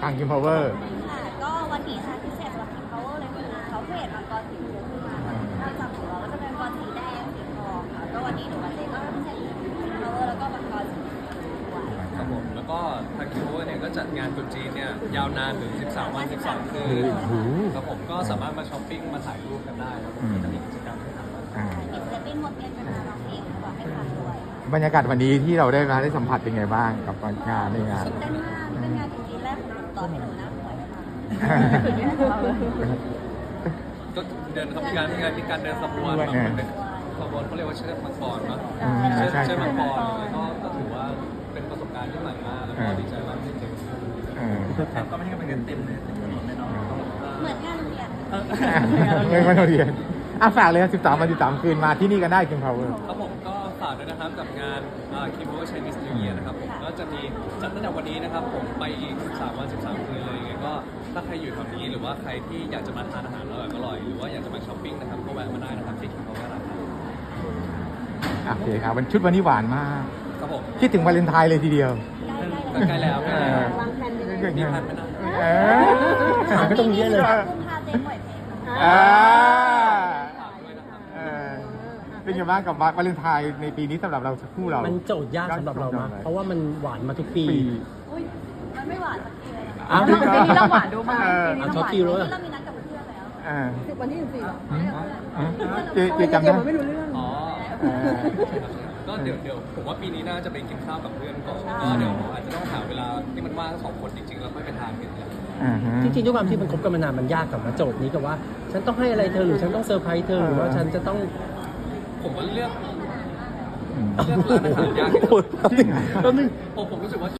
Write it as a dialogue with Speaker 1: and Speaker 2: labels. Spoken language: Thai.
Speaker 1: ทาง King Power
Speaker 2: ค่ะก็วันนี้ค่ะพิเศษสำหรับ King Power เลยคือเขาเพจมังกรสีชมพูขึ้นมาค่ะนอกจากของเราก็จะเป็นมังกรสีแดงสีทองค่ะก็วันนี้หนูกับเจก็พิเศษ King Power แล้วก็มังกรสีชมพูด้วย
Speaker 3: ครับผมแล้วก็ทางคิวเนี่ยก็จัดงานตรุษจีนเนี่ยยาวนานถึง 13 วัน 12 คืน
Speaker 1: โอ้โห
Speaker 3: ครับผมก็สามารถมาช้อปปิ้งมาถ่ายรูปกันได้ครับผมจะมีกิจกรรมให้ทำ
Speaker 1: อ่า
Speaker 2: มีศิลปินหมดเงินกันมาร้องเพลงบอกให้ฟังด้วย
Speaker 1: บรรยากาศวันนี้ที่เราได้สัมผัสเป็นไงบ้างกับงานในงาน
Speaker 2: ตื่นเต้นมากเป็นงานตรุษจีนแรกของหนูตอนที่หนูนั่งป่วยค่ะ
Speaker 3: ก็เดินครับมีการเดินขบวนแบบมันเป็นขบวนเขาเรียกว่าเชือกมังกรเนาะ
Speaker 1: ใช่
Speaker 3: เชือก
Speaker 1: ใช่
Speaker 3: มังกรแล้วก็ถือว่าเป็นประสบการณ์ที่ใหม่มากแล้วก็ดีใจมากที่เจอ
Speaker 4: ก็ไม่ใช่เป็นเงินเต็มเลยเต็มถนนเลยเนาะ
Speaker 2: เหมือนงานโรงเรียน
Speaker 1: เงินมาเรียนฝากเลย13 วัน 13 คืนมาที่นี่กันได้ King Power
Speaker 3: ครับผมก็ฝากด้วยนะครับกับงานคิมโบ Chinese New Year นะครับผมก็จะมีจัดตั้งแต่วันนี้นะครับผมไปอีก13 วัน 13 คืนเลยยังไงก็ถ้าใครอยู่แถวนี้หรือว่าใครที่อยากจะมาทานอาหารอร่อยๆหรือว่าอยากจะมาช้อปปิ้งนะครับก็แวะมาได้นะครับที่คิมโบนะครับ
Speaker 1: โอเคครับชุดวันนี้หวานมาก
Speaker 3: ครับผม
Speaker 1: คิดถึงวาเลนไทน์เลยทีเดียว
Speaker 3: ใกล้แล้วใกล้แล้ว
Speaker 2: วางแผนดี
Speaker 3: มีพันไหมนะ
Speaker 1: ถามไม่ต้องเยอะเลย
Speaker 2: กุมภาเจนปล่อยเพลงค่ะ
Speaker 1: อ่า
Speaker 3: ฝากด้วยนะครับ
Speaker 1: เป็นไงบ้างกับวาเลนไทน์ในปีนี้สำหรับเราคู่เรา
Speaker 5: มันโจทย์ยากสำหรับเรามากเพราะว่ามันหวานมาทุกปี
Speaker 2: อุ้ยมันไม่หวานสักทีเลยนะคะ
Speaker 5: อ้าว
Speaker 6: ปีนี้เราหวานดูมากปีนี้
Speaker 5: เอา
Speaker 6: เรา
Speaker 5: ช็อต
Speaker 6: หวาน
Speaker 5: ฟิลเลย
Speaker 2: เรามีนัดกับเพื่อนแล้ว
Speaker 6: วันที่14
Speaker 1: เจจำได้
Speaker 6: มันไม่รู้เรื่อง
Speaker 3: อ๋อ
Speaker 1: เออ
Speaker 3: ก็เดี๋ยวผมว่าปีนี้น่าจะไปกินข้าวกับเพื่อนก่อนก็เดี๋ยวอาจจะต้องหาเวลาที่มันว่างสองคนจริงๆแล้วค่อยไปทานกันเนี่ย
Speaker 5: จริงๆด้วยความที่มันคบกันมานานมันยากกับมาโจทย์นี้กับว่า ฉันต้องให้อะไรเธอหรือฉันต้องเซอร์ไพรส์เธอหรือว่าฉันจะต้อง
Speaker 3: ผมว่าเลือกร้านอาหารยากที่สุด
Speaker 1: จริงเหรอ
Speaker 3: ผมรู้สึกว่า